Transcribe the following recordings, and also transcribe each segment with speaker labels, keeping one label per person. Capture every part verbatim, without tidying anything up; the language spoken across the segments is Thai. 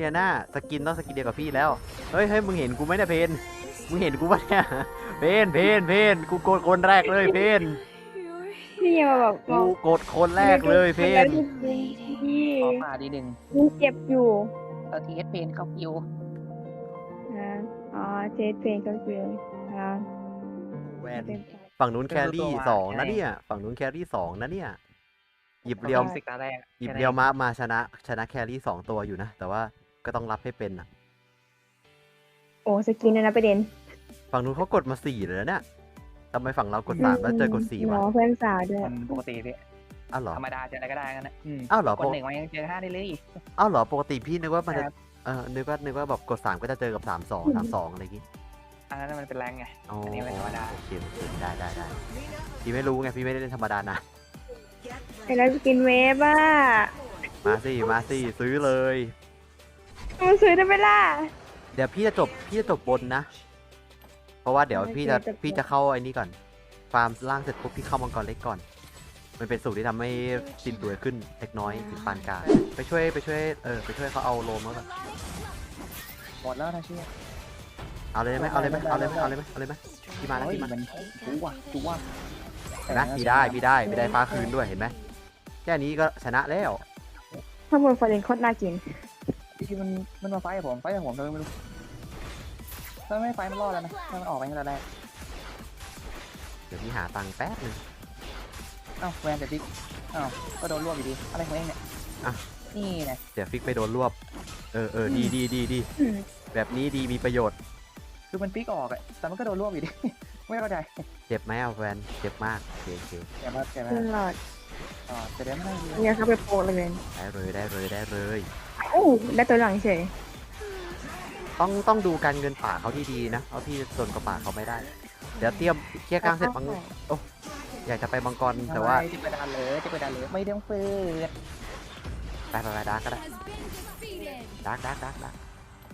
Speaker 1: ยน่าสกินต้องสกินเดียวกับพี่แล้วเฮ้ยเฮ้ยมึงเห็นกูไหมเนี่ยเพนมึงเห็นกูปะเนี่ยเพนเพนเพนกูโกรธคนแรกเลยเพน
Speaker 2: พี่ยังมาบอกบ
Speaker 1: กู
Speaker 2: อก
Speaker 1: โกรธคนแรกเลยเพน
Speaker 2: พี่
Speaker 3: ขอป่าดีหนึ่ง
Speaker 2: ยังเจ็บอยู่
Speaker 3: เอาทีเอสเพนเข้าคิว
Speaker 2: อ่าอ๋อเจสเพลงก็คืออ่า
Speaker 1: แวน
Speaker 2: เป็น
Speaker 1: ฝั่งนู้นแครี่สองนะเนี่ยฝั่งนู้นแครี่สองนะเนี่ยหยิบเรียว
Speaker 3: สิกตาแรก
Speaker 1: หยิบเรียวมามาชนะชนะแครี่สองตัวอยู่นะแต่ว่าก็ต้องรับให้เป็นนะ
Speaker 2: โอ้สกินนะนะประเด็น
Speaker 1: ฝั่งนู้นเขากดมาสี่เลยนะเนี่ยทำไมฝั่งเรากดสามแล้วเจอกดสี่
Speaker 2: หม
Speaker 1: วะ
Speaker 2: อเพื่อนสาวด้วย
Speaker 3: มันปกติพี่
Speaker 1: อ้าวเหรอ
Speaker 3: ธรรมดาเจออะไรก็ได้กันนะอืม
Speaker 1: อ้าวเหรอก
Speaker 3: ดหนึ่งมันยังเจอห้าได้เลย
Speaker 1: อ้าวเหรอปกติพี่นึกว่ามันจะ
Speaker 3: ครับ
Speaker 1: เออนึกว่านึกว่าแบบกดสามก็จะเจอกับสามสองสามสองอะไรอย่างงี้
Speaker 3: อันนั้นมันเป็นแรงไง
Speaker 1: อ๋อ
Speaker 3: อันนี้เป็นธรรมดา
Speaker 1: โอเคโอเคได้ได้ได้พี่ไม่รู้ไงพี่ไม่ได้เล่นธรรมดานะ
Speaker 2: ไอ้แล้วสกินเวฟอ่ะ
Speaker 1: มาสิมาสิซื้อเลย
Speaker 2: มันซื้อได้ไหมล่ะ
Speaker 1: เดี๋ยวพี่จะจบพี่จะจบบนนะ เพราะว่าเดี๋ยว
Speaker 2: โอเค
Speaker 1: พี่จะ
Speaker 2: จบ
Speaker 1: พี่จะเข้าไอ้นี่ก่อน ฟาร์มล่างเสร็จปุ๊บพี่เข้ามังกรเล็กก่อน มันเป็นสูตรที่ทำให้สินรวยขึ้นเล็กน้อยถึงปานกลางไปช่วยไปช่วยเออไปช่วยเขาเอาโลมแล้วกัน
Speaker 3: หมดแล้วนะเชี่ย
Speaker 1: เอาเลยไหมเอาเลยไหมเอาเลยไหมเอาเลยไหมเอาเลยไหมพี่มาแล้ว
Speaker 3: เฮ้ย
Speaker 1: พี่มา
Speaker 3: มันจุ๊วะจุ๊วะ
Speaker 1: เห็นไหมพี่ได้พี่ได้พี่ได้ฟ้าคืนด้วยเห็นไหมแค่นี้ก็ชนะแล้ว
Speaker 2: ข้างบนฟอร์เรนโคตรน่ากิน
Speaker 3: ที่มันมันมาไฟกับผมไฟกับผมทำไมไม่รู้ถ้าไม่ไฟมันรอดแล้วนะถ้ามันออกไปตั้งแต่แรก
Speaker 1: เดี๋ยวพี่หาตังค์แป๊บนึง
Speaker 3: เอ้าแวนแต่ติ๊กอ้าวก็โดนรวบอยู่ดีอะไรของเองเนี่ย
Speaker 1: อ่ะ
Speaker 3: นี่ไง
Speaker 1: เดี๋ยวฟิกไปโดนรวบเออเออดีดีดีดี
Speaker 2: อืม
Speaker 1: แบบนี้ดีมีประโยชน์
Speaker 3: คือมันปิ๊กออกอะแต่มันก็โดนรวบอยู่ดี ไม่เข้าใจ
Speaker 1: เจ็บไหมเอาแฟนเจ็บมากโอเคโอเค
Speaker 3: แกมาแกมา
Speaker 2: ขึ้นหลอด
Speaker 3: อ๋อแต่เดี๋ยวไม่ได้ดี
Speaker 2: เนี่ยเขาไปโปะเลย
Speaker 1: ได้เลยได้เลยได้เลย
Speaker 2: โอ้ได้ตัวหลังเฉย
Speaker 1: ต้องต้องดูการเงินป่าเขาดีๆนะเพราะพี่จนกับป่าเขาไม่ได้ เดี๋ยวเตรียมเคลียร์กลางเสร็จมังโอ้อยากจะไปมังกรแต่ว่า
Speaker 3: จะไปดันเลยจะไปดันเลยไม่ต้องเปิด
Speaker 1: ไปไปไปดาร์กก็ได้ดาร์กดาร์กดาร์กดาร์ก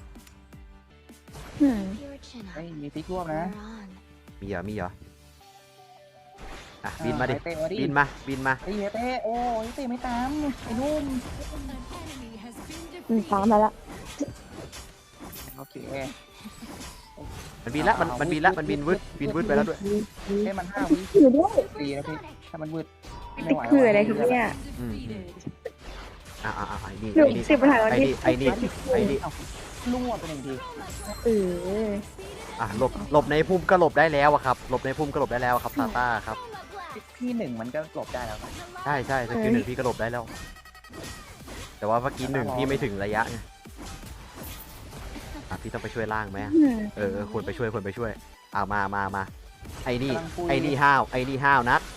Speaker 2: อืม
Speaker 3: เฮ้ยมีฟิกรวบนะ
Speaker 1: มีเหรอมีเหรออ่ะบินมาดิ
Speaker 3: เตะมาดิ
Speaker 1: บินมาบินมา
Speaker 3: ไอ้เต้โอ้ยเต้ไม่ตามไอ้นุ่ม
Speaker 2: อืมตามมาละ
Speaker 3: โอเค
Speaker 1: มันบินละมันมันบินละมันบินวืดบินวืดไปแล้วด้วย
Speaker 3: เต้มันห้าวิ
Speaker 2: คือด้วย
Speaker 3: ดีนะพี่ถ้ามันวืดไม่
Speaker 2: ติด
Speaker 3: ไหว
Speaker 2: คืออะไรครับเนี่ย
Speaker 1: อืมอืมอ่ะอ่ะอ่ะไอ้นี่
Speaker 2: หนู
Speaker 1: ไอ้นี่
Speaker 2: สิบปัญหาวัน
Speaker 1: ไอ้
Speaker 2: ที่
Speaker 1: นี่ไอ้นี่ไอ้นี่
Speaker 3: รวบไปหนึ่งที
Speaker 2: เออ
Speaker 1: อ่ะหลบหลบในพุ่มก็หลบได้แล้วอะครับหลบในพุ่มก็หลบได้แล้วอะครับซาต้าครับ
Speaker 3: พี่หนึ่งมันก็หลบได้แล้ว
Speaker 1: ใช่ใช่สกิลหนึ่งพี่ก็หลบได้แล้ว แต่ว่าเมื่อกี้หนึ่งพี่ไม่ถึงระยะไงอ่ะพี่ต้องไปช่วยล่างไหม
Speaker 2: อืม
Speaker 1: เออเออควรไปช่วยควรไปช่วยเอามามามาไอ้นี่ไอ้นี่ห้าวไอ้นี่ห้าวนัด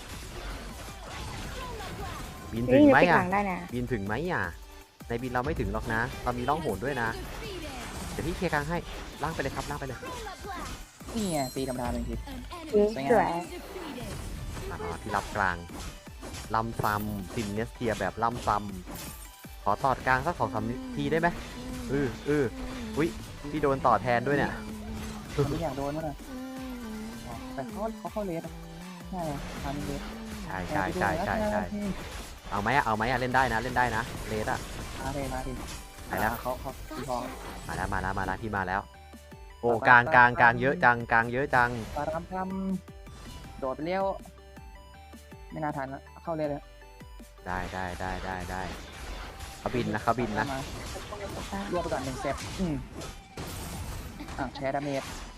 Speaker 1: บินถึ
Speaker 2: นี่
Speaker 1: งไหม
Speaker 2: ติดห
Speaker 1: อ่ะ
Speaker 2: ลังได้นะ
Speaker 1: บินถึงไหมอ่ะในบินเราไม่ถึงหรอกนะเรามีล่องหนด้วยนะเดี๋ยวพี่เคลียร์กลางให้ล่างไปเลยครับล่างไปเลย
Speaker 3: นี่ไงตีธรรมดาหนึ่งที
Speaker 2: สวย
Speaker 1: อ่าพี่รับกลางลำซัมซินเนสเทียแบบลำซัมขอตอดกลางสักสองสามทีได้ไหมเออเอออุ้ยพี่โดนต่อแทนด้วยเนี่ย
Speaker 3: ไม่อยากโดนมั้งนะแต่เขาเขาเข้าเลสใช่ทำเลส
Speaker 1: ใช่ใช่ใช่ใช่ใช่เอาไหมอะเอาไหมอะเล่นได้นะเล่นได้นะเลสอะ
Speaker 3: มาเลยมาเลย
Speaker 1: ไปแล้ว
Speaker 3: เขาเขาตีทอง
Speaker 1: มาแล้วมาแล้วมาแล้วพี่มาแล้ว โอ้กลางกลางกลางเยอะจังกลางเยอะจัง
Speaker 3: ปารามทำโดดไปเลี้ยวไม่น่าทันแล้วเข้าเลยเลย
Speaker 1: ได้ได้ได้ได้ได้เขาบินนะเขาบินนะ
Speaker 3: รวบไปก่อนหนึ่งเซตอืมอ่ะแชร์ดาเมจ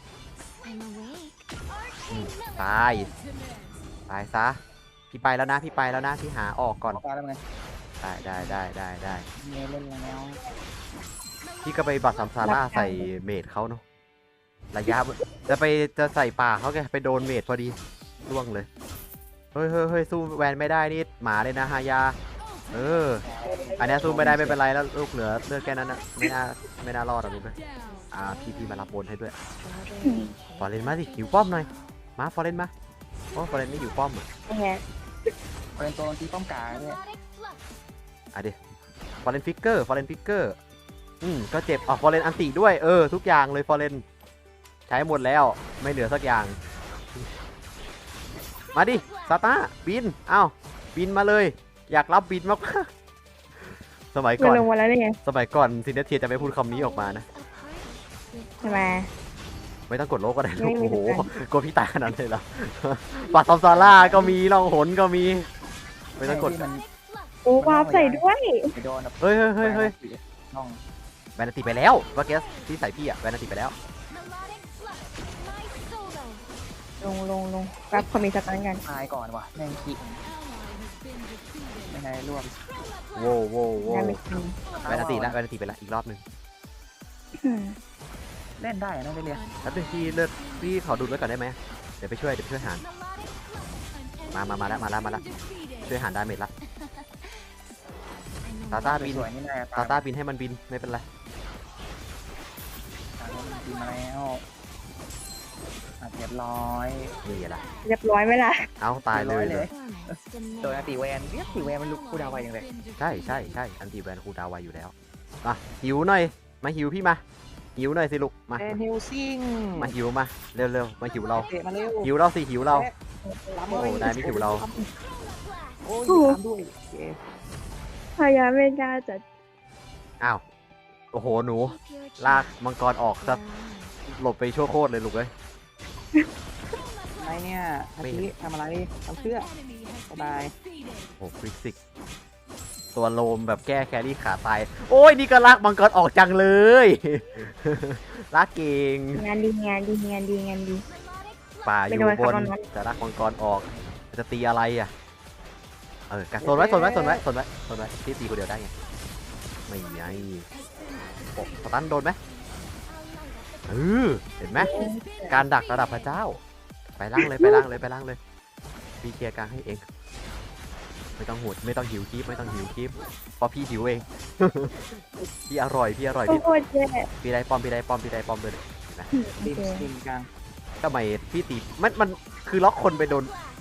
Speaker 1: อืมตายตายซะพี่ไปแล้วนะพี่ไปแล้วนะพี่หาออกก่อน
Speaker 3: ออกมาแล้วไง
Speaker 1: ได้ได้ได้ได้ได้
Speaker 3: เมย์เล่นแล้ว
Speaker 1: พี่ก็ไปบัตรซัมซาร่าใส่เมดเขาเนาะระยะจะไปจะใส่ป่าเขาแกไปโดนเมดพอดีร่วงเลยเฮ้ยเฮ้ยเฮ้ยสู้แวนไม่ได้นี่หมาเลยนะฮายาเอออันนี้สู้ไม่ได้ไม่เป็นไรแล้วลูกเหลือเลือดแค่นั้นนะไม่น่าไม่น่ารอดหรอกลูกเลยอ่าพี่พี่มารับบนให้ด้วยฟอร์เรนมาสิหิวป้อมหน่อยมาฟอร์เรนมาโอ้ฟอร์เรนไม่อยู่ป้อมอ่ะ
Speaker 2: แฮะ
Speaker 3: เป็นตัวตีป้อมกาเนี่ย
Speaker 1: อ่ะดิฟอร์เรนฟิกเกอร์ฟอร์เรนฟิกเกอร์อืมก็เจ็บอ๋อฟอร์เรนอันติด้วยเออทุกอย่างเลยฟอร์เรนใช้หมดแล้วไม่เหลือสักอย่างมาดิซาต้าบินเอ้าบินมาเลยอยากรับบินมากฟสมัย
Speaker 2: มั
Speaker 1: ก่
Speaker 2: น
Speaker 1: อน
Speaker 2: ลงมาแล้วนี่ไง
Speaker 1: สมัยก่อนซินเนเทียจะไม่พูดคำนี้ออกมานะ
Speaker 2: ใช่ไหม
Speaker 1: ไม่ต้องกดโลกก็ได้ลู
Speaker 2: ไม่
Speaker 1: ก
Speaker 2: ไม่
Speaker 1: โอ้โห
Speaker 2: ไม่
Speaker 1: กลัวพี่ตายขนาดนั้นเลยเหรอ ปัดซอมซาร่าก็มีล่องหนก็มี ไม่ต้องกด
Speaker 3: ที่มัน
Speaker 2: โอ้วาร์ปใส่ด้วย
Speaker 3: ไปโดนแบบ
Speaker 1: เฮ้ยเฮ้ยเฮ้ยเฮ้ย
Speaker 3: น้อง
Speaker 1: แบนนาติไปแล้วเมื่อกี้ที่ใส่พี่อะแบนนาติไปแล้ว
Speaker 2: ลงลงลงรับคอมมิชตันกัน
Speaker 3: ตายก่อนว่ะแม่งขี้ยังไงรวบ
Speaker 1: โว้วโว้วโว้
Speaker 2: ได้
Speaker 1: ว
Speaker 2: ไม่ทัน
Speaker 1: แบนนาติแล้วแบนนาติไปแล้วอีกรอบหนึ่ง
Speaker 2: อืม
Speaker 3: เล่นได้นะได้เรียน
Speaker 1: แล้วเป็นพี่เลือดพี่ขอดูดไว้ก่อนได้ไหมเดี๋ยวไปช่วยเดี๋ยวไปช่วยหารมามามาแล้วมาแล้วมาแล้วช่วยหารดาเมจละตาต้าบิน
Speaker 3: สวยนี่แหละ
Speaker 1: ตาต้าบินให้มันบินไม่เป็นไร
Speaker 3: บินมาแล้วอ่ะเรียบร้อย
Speaker 1: นี่แหละ
Speaker 2: เรียบร้อยไหมล่ะ
Speaker 1: เอาตายเลยเลย
Speaker 3: โดนตีแวนเรียกตีแวนมันลุกกูดาวไวอย่างเลย
Speaker 1: ใช่ใช่ใช่อันตีแวนคูลดาวน์ไวอยู่แล้วอ่ะหิวหน่อยมาหิวพี่มาหิวหน่อยสิลูกมา
Speaker 3: แอนฮิลซิง
Speaker 1: มาหิวมาเร็วเร็วมาหิวเรา
Speaker 3: เตะมาเร็ว
Speaker 1: หิวเราสิหิวเรา
Speaker 3: ล้ำ
Speaker 1: โอ้ได้ไม่หิวเรา
Speaker 3: โอ้ยตามด้วยโอเค
Speaker 2: พยายามไม่ได้จะ
Speaker 1: อ้าวโอ้โหหนูลากมังกรออกซะหลบไปชั่วโคตรเลยลูกเอ้ย
Speaker 3: อะไรเนี่ยอาทิทำอะไรทำเสื้อสบาย
Speaker 1: โอ้คริกซิกตัวโลมแบบแก้แครี่ขาตายโอ้ยนี่ก็ลากมังกรออกจังเลย ลากเก่ง
Speaker 2: งานดีงานดีงานดีงานดี
Speaker 1: ป่าอยู่
Speaker 2: ไม่โดน
Speaker 1: บน
Speaker 2: ครับน้อง
Speaker 1: จะลากมังกรออกจะตีอะไรอ่ะเออกัดโซนไว้โซนไว้โซนไว้โซนไว้โซนไว้ที่ตีคนเดียวได้ไงไม่ไงโอ้สตันโดนไหมเออเห็นไหมการดักระดับพระเจ้า ไปล่างเลยไปล่างเลยไปล่างเลยพี่เคลียร์กลางให้เองไม่ต้องหูดไม่ต้องหิวคลิปไม่ต้องหิวคลิปเพราะพี่หิวเอง พี่อร่อยพี่อร่อยพี่
Speaker 2: โคตรแย่
Speaker 1: พี่ได้ป้อมพี่ได้ป้อมพี่ได้ป้อมเลย
Speaker 2: โอ
Speaker 3: ทีม
Speaker 2: เค
Speaker 3: ทีมกลาง
Speaker 1: ทำไมพี่ตีมันมันคือล็อกคนไปโดน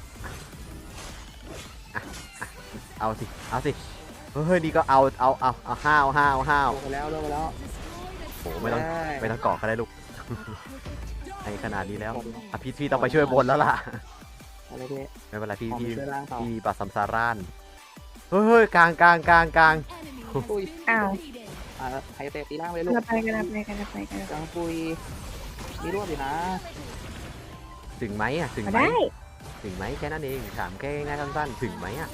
Speaker 1: อ่ะอ่ะเอาสิเอาสิเฮ้ยนี่ก็เอาเอาเอาเอาห้าวห้าวห้าว
Speaker 3: ลงไปแล้วลงไปแล้ว
Speaker 1: โอ้ไม่ต้อง
Speaker 3: ด้
Speaker 1: ไม่ต้องเกาะก็ได้ลูก ในขนาดนี้แล้วอ่ะพี่พี่ต้องไปช่วยบนแล้วล่ะ
Speaker 3: อะไรเด้
Speaker 1: ไม่เป็นไรพี่
Speaker 3: ออก
Speaker 1: พี่
Speaker 3: ไปช่วยล่างต่อ
Speaker 1: พี่ปัดสัมสารานเฮ้ยเฮ้ยกลางกลางกลางกลาง
Speaker 3: ปุย
Speaker 2: อ้าว
Speaker 3: อ่าไฮเตะตีล่างเลยลูก
Speaker 2: กันไปกันไปกันไปกัน
Speaker 3: กลางปุยมีรวบอยู่นะ
Speaker 1: ถึงไหมอ่ะถึง
Speaker 2: มา
Speaker 1: ไหม
Speaker 2: ได้
Speaker 1: ถึงไหมแค่นั้นเองถามแค่ง่ายๆสั้นๆถึงไหมอ่ะ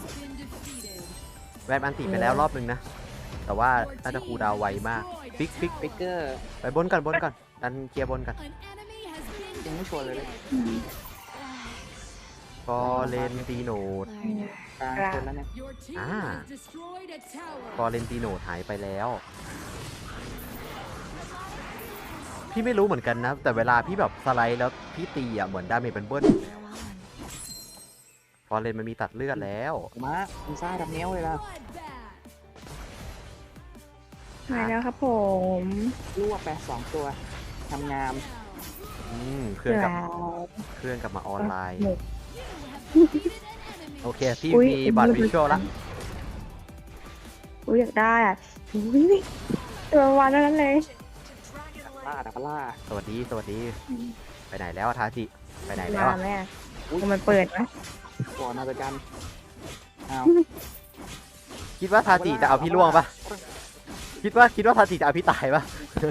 Speaker 1: แวบอันติไปแล้วรอบนึงนะแต่ว่าน่าจะคูลดาวน์ไวมากฟิกฟิก
Speaker 3: ปิกเกอร์
Speaker 1: ไปบนก่อนบนก่อนดันเคลียร์บนก่อน
Speaker 3: ยังไม่ชวนเลยเลย
Speaker 2: อืม
Speaker 1: ฟอเรนติโนด
Speaker 3: กลางชนแล้วเนี่ย
Speaker 1: อ่าฟอเรนติโนดหายไปแล้ว พี่ไม่รู้เหมือนกันนะ แต่เวลาพี่แบบสไลด์แล้วพี่ตีอ่ะเหมือนดาเมจเป็นเบิ้ลฟอเรนมันมีตัดเลือดแล้ว
Speaker 3: มาคุณซ่าดับเนี้ยวเลยล่ะ
Speaker 2: มาแล้วครับผม
Speaker 3: รวบไปสองตัวทำงาม
Speaker 1: อืมเครื่องกลับ
Speaker 2: แล้ว
Speaker 1: เครื่องกลับมาออนไลน์
Speaker 2: หมด
Speaker 1: โอเค พี่
Speaker 2: อุ๊ย
Speaker 1: มีบัตรวิชวลละ
Speaker 2: อุ้ยอยากได้อ่ะอุ้ยตัววันนั้นเลย
Speaker 3: ล่าดับล่า
Speaker 1: สวัสดีสวัสดี ไปไหนแล้วอะทาจิไปไหนแล้ว
Speaker 2: มา
Speaker 1: อะ
Speaker 2: แม่มันเปิดไหม
Speaker 3: ก่อนมาจัดการอ้าว
Speaker 1: คิดว่าทาจิจะเอาพี่ล่วงปะคิดว่าคิดว่าทาจิจะเอาพี่ตายปะ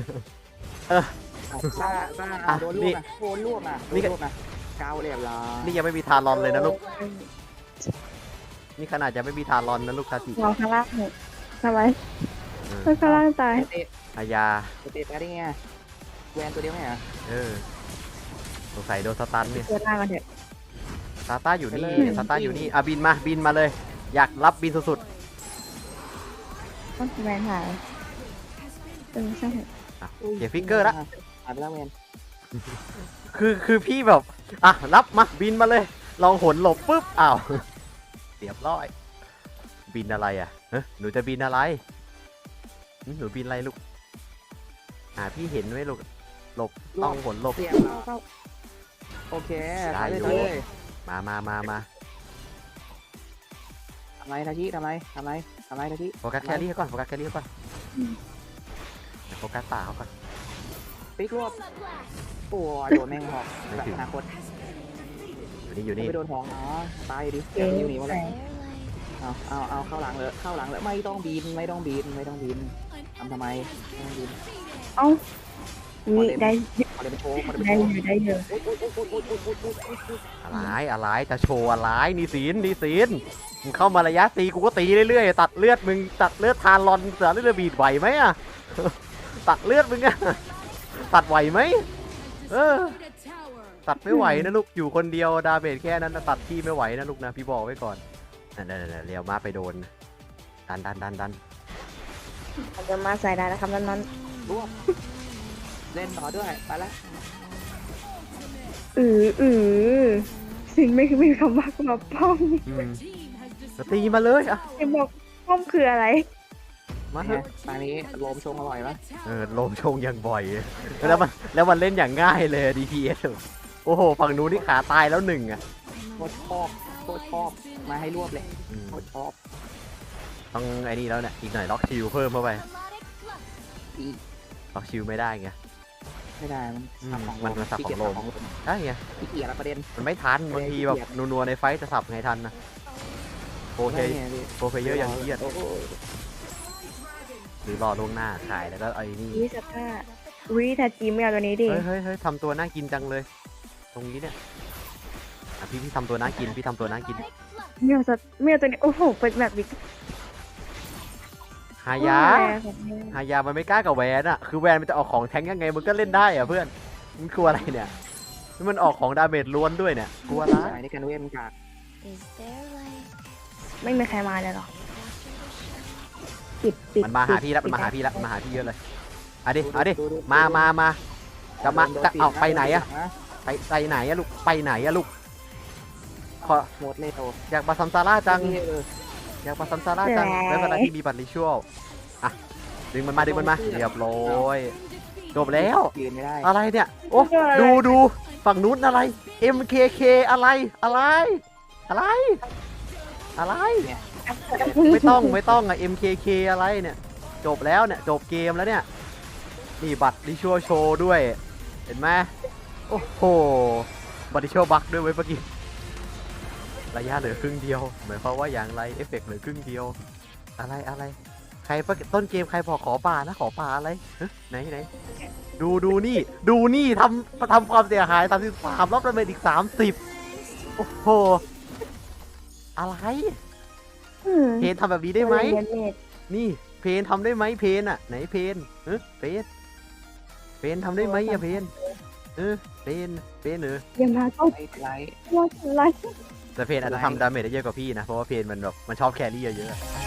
Speaker 3: ซ่าซ่า
Speaker 1: อ่ะ
Speaker 3: โดนรวบนะโดนรวบนะ
Speaker 1: นี่
Speaker 3: โด
Speaker 1: ก็
Speaker 3: นรวบนะเกาเรียบร้อย
Speaker 1: นี่ยังไม่มีทารอนเลยนะลูก นี่ขนาดจะไม่มีทารอนนะลูกทาจิ
Speaker 2: มองข้างล่างหมดทำไม
Speaker 1: เออ
Speaker 2: ข้างล่างตาย
Speaker 3: เตะ
Speaker 1: อายา
Speaker 3: เตะไปได้ไงแวนตัวเดียวไหมอ่ะ
Speaker 1: เออสงสัยโดนสตันเนี่ย
Speaker 2: เจอล่างกันเถอะ
Speaker 1: ซาต้าอยู่นี่
Speaker 3: ไปเลย
Speaker 1: ซาต้าอยู่นี่อ่ะบินมาบินมาเลย อยากรับบินสุด
Speaker 2: ต้องแมนหายเออใช่
Speaker 1: ๆอ่ะเขียนฟิกเกอร์ละ
Speaker 3: หายไปแล้วแวน
Speaker 1: คือคือพี่แบบอ่ะรับมาบินมาเลย ลองหนหลบปุ๊บอ้าวเรียบร้อย บินอะไรอ่ะเฮ้ยหนูจะบินอะไรหึหนูบินอะไรลูกหาพี่เห็นไหมลูกหลบต้องหนหลบ
Speaker 3: เสียบเข้าโอเค
Speaker 1: ได้
Speaker 3: ไป
Speaker 1: อยู่
Speaker 3: เลย
Speaker 1: มามามามา
Speaker 3: ทำไรทาชิทำไรทำไรทำไรทาชิ
Speaker 1: โฟกัสแครี่เขาก่อนโฟกัสแครี่เขาก่อนโฟกัสป่าเขาก่อน
Speaker 3: ปิ๊กรวบโอ้ยโดนแมงหอก
Speaker 1: ไม่
Speaker 3: แบบ
Speaker 1: ถึง
Speaker 3: อนาคต
Speaker 1: อยู่นี่อยู่นี่
Speaker 3: ไม่โดนหอกอ๋อตายอยู่ดิ
Speaker 2: เจ๊
Speaker 3: เดี๋ยวอยู่หนีหมดเลยเอาเอาเอาเข้าหลังเลยเข้าหลังเลยไม่ต้องบินไม่ต้องบินไม่ต้องบินทำทำไมไม่ต้องบิน
Speaker 2: เอ้าวิได้
Speaker 3: ขอเดินไปโชว์ขอเดินไป
Speaker 2: ได้
Speaker 3: โช
Speaker 2: อ
Speaker 3: ว์
Speaker 2: ยู่ได้อยู่
Speaker 1: อะไรอะไรจะโชว์อะไรนี่สินนี่สินมึงเข้ามาระยะตีกูก็ตีเรื่อยๆตัดเลือดมึงตัดเลือดทานรอนเสือเลือดบีดไหวไหมอะ ตัดเลือดมึงอะตัดไหวไหมเออตัดไม่ไหวนะลูกอยู่คนเดียวดาเมจแค่นั้นนะตัดพี่ไม่ไหวนะลูกนะพี่บอกไว้ก่อนนั่นๆๆเรียวมาไปโดนดันดันดันดัน
Speaker 2: อาจจะมาใส่ได้นะครับนั้นนั้น
Speaker 3: รวบเล่นต่อด้วยไปละ
Speaker 2: อืออือสินไม่คือไม่มีคำว่ามาป้อม
Speaker 1: อืมก็ตีมาเลยอะ
Speaker 2: สินบอกป้อมคืออะไร
Speaker 1: มาเถ
Speaker 3: เนี่ย
Speaker 1: อะ
Speaker 3: ตอนนี้โลมชงอร่อยปะ
Speaker 1: เออลมชงอย่างบ่อยแล้วมันแล้วมันเล่นอย่างง่ายเลย ดี พี เอส โอ้โหฝั่งนู้นนี่ขาตายแล้วหนึ่งอะ
Speaker 3: โคตรชอบโคตรชอบมาให้รวบเลย
Speaker 1: อืม
Speaker 3: โคตรชอบ
Speaker 1: ต้องไอ้นี่แล้วเนี่ยอีกหน่อยล็อกชิลเพิ่มเข้าไป
Speaker 3: อีก
Speaker 1: ล็อกชิลไม่ได้ไง
Speaker 3: ไม่ได้มัน
Speaker 1: อืม
Speaker 3: สับของ
Speaker 1: มันมันสับของโลม
Speaker 3: ขี้เกียจสับของโลม
Speaker 1: ได้ไง
Speaker 3: ขี้เกียจละประเด็น
Speaker 1: มันไม่ทันบางทีแบบนัวๆในไฟท์จะสับไงทันนะโปรเพย์
Speaker 3: ไม่ไงพี่
Speaker 1: โปรเพย์เยอะอย่างเครียด
Speaker 3: โอ้โห
Speaker 1: หรือรอล่วงหน้าขายแล้วก็ไอ้นี่
Speaker 2: วิสภาวิทาจีไม่เอาตัวนี้ดิ
Speaker 1: เฮ้ยเฮ้ยเฮ้ยทำตัวน่ากินจังเลย ตรงนี้เนี่ยอ่ะพี่พี่ทำตัวน่ากินพี่ทำตัวน่ากิน
Speaker 2: ไม่เอาสัตไม่เอาตัวนี้โอ้โหเป็นแบบบิ๊ก
Speaker 1: หายา หายามันไม่กล้ากับแวนอะคือแวนมันจะออกของแทงยังไงมันก็เล่นได้อะเพื่อนมันกลัวอะไรเนี่ยนี่มันออกของดาเมจล้วนด้วยเนี่ยกลัวละ
Speaker 3: สายในการเว้นกาก
Speaker 2: ไม่มีใครมาเลยหรอปิดปิด
Speaker 1: มันมาหาพี่แล้วมันมาหาพี่แล้วมันมาหาพี่เยอะเลยเอาดิเอาดิมามามาจะมาจะเอาไปไหนอะไปไปไหนอะลูกไปไหนอะลูกขอ
Speaker 3: หมดเลยโต
Speaker 1: อยากมาซัมซาร่าจัง
Speaker 3: เออ
Speaker 1: อยากมาซัมซาร่าจังไม่เป็นไรที่มีบัตรริชวลอ่ะดึงมันมาดึงมันมาเรียบร้อยจบแล้ว
Speaker 3: ยืนไม่ได้
Speaker 1: อะไรเนี่ยโอ้ดูดูฝั่งนู้นอะไร เอ็ม เค เค อะไรอะไร อะไร อะไร ไม่ต้องไม่ต้องอะ เอ็ม เค เค อะไรเนี่ยจบแล้วเนี่ยจบเกมแล้วเนี่ยนี่บัตรดิชัวโชว์ด้วย เห็นไหมโอ้โหบัตรดิชัวบักด้วยเว้ยเมื่อกี้ระยะเหลือครึ่งเดียวหมายความว่าอย่างไรเอฟเฟกต์เหลือครึ่งเดียวอะไรอะไรใครต้นเกมใครบอกขอป่านะขอป่าอะไรเฮ้ยไหนไหนดูดูนี่ดูนี่ทำทำความเสียหายสามสิบสามรอบดาเมจอีกสามสิบโอ้โหอะไร เพนทำแบบนี้ได้ไหม นี่เพนทำได้ไหมเพนอ่ะไหนเพนเออเพนเพนทำได้ไหมอะเพนเออเพนเพนเออ
Speaker 2: ยังมาก็
Speaker 3: ไล่ไล่
Speaker 2: ว่าอะไร
Speaker 1: แต่เพนอาจจะทำดาเมจได้เยอะกว่าพี่นะเพราะว่าเพนมันแบบมันชอบแครี่เยอะๆ